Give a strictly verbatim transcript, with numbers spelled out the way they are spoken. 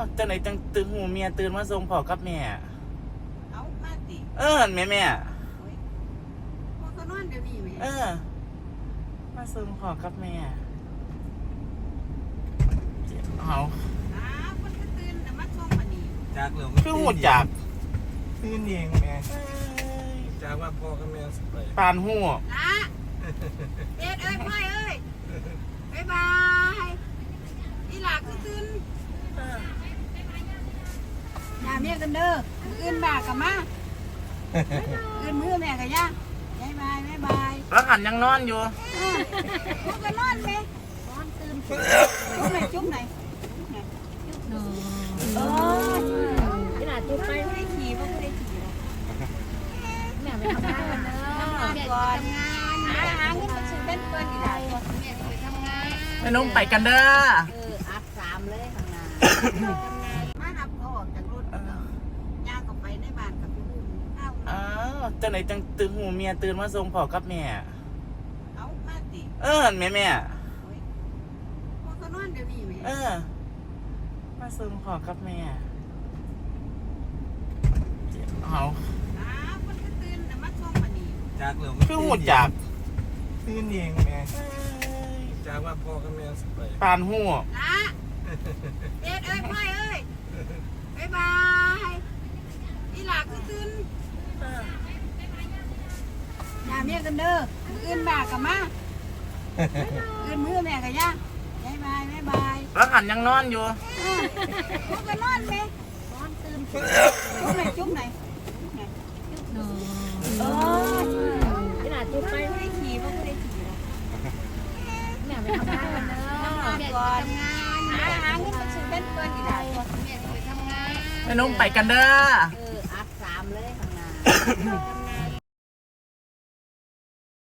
จังไหนจังตื่นหูเมียตื่นมาส่งพ่อกับแม่เอามาติเออแม่แม่พ่อก็นอนเดี๋ยวนี้แม่เออมาส่งพ่อกับแม่เอาอ้าวคนก็ตื่นแต่มาส่งมานี่จากเหลืองคือหูจักตื่นเองแม่จากว่าพ่อกับแม่สิไปปานหูละเอ็ดเอ้ยพ่อยเอ้ยบ๊ายบายอีหลาคือตื่นอย่าเมียกันเด้ออื่นบากกับมาอื่นมือแม่กันย่าบ๊ายบายบ๊ายบายแล้วหันยังนอนอยู่พวกก็นอนไหมนอนตื่นจุ๊บไหนจุ๊บไหนเอออีหลาจุ๊บไปไม่ได้ขี่เพราะไม่ได้ขี่แม่ไปทำงานกันเด้อทำงานก่อนหาหาเงินไปซื้อเป็นเปิ้ลอีหลาก่อนแม่จะไปทำงานแม่นุ่มไปกันเด้อเอออัดสามเลยทำงานมาหับเขาออกจากรถย่างก็ไปในบ้านกับพี่บุ้มอ้าวจังไหนจังตื่นหูเมียตื่นมาส่งพ่อกับแม่เอามาติเออแม่แม่พ่อก็นอนเดี๋ยวนี้แม่เออมาส่งพ่อกับแม่เอาอ้าวคนก็ตื่นแต่มาส่งมานี่จากเหลืองคือหูจักตื่นเองแม่จากว่าพ่อกับแม่สิไปปานหูละเอ็ดเอ้ยพ่อยเอ้ยบ๊ายบายอีหลาคือตื่นอย่าเมียกันเด้ออื่นบากกับมาอื่นมือแม่กันย่าบ๊ายบายบ๊ายบายแล้วหันยังนอนอยู่พวกก็นอนไหมนอนตื่นจุ๊บไหนจุ๊บไหนเอออีหลาจุ๊บไปไม่ได้ขี่เพราะไม่ได้ขี่แม่ไปทำงานกันเด้อทำงานก่อนหาหาเงินไปซื้อเป็นเปิ้ลอีหลาก่อนแม่จะไปทำงานแม่นุ่มไปกันเด้อเอออัดสามเลยทำงาน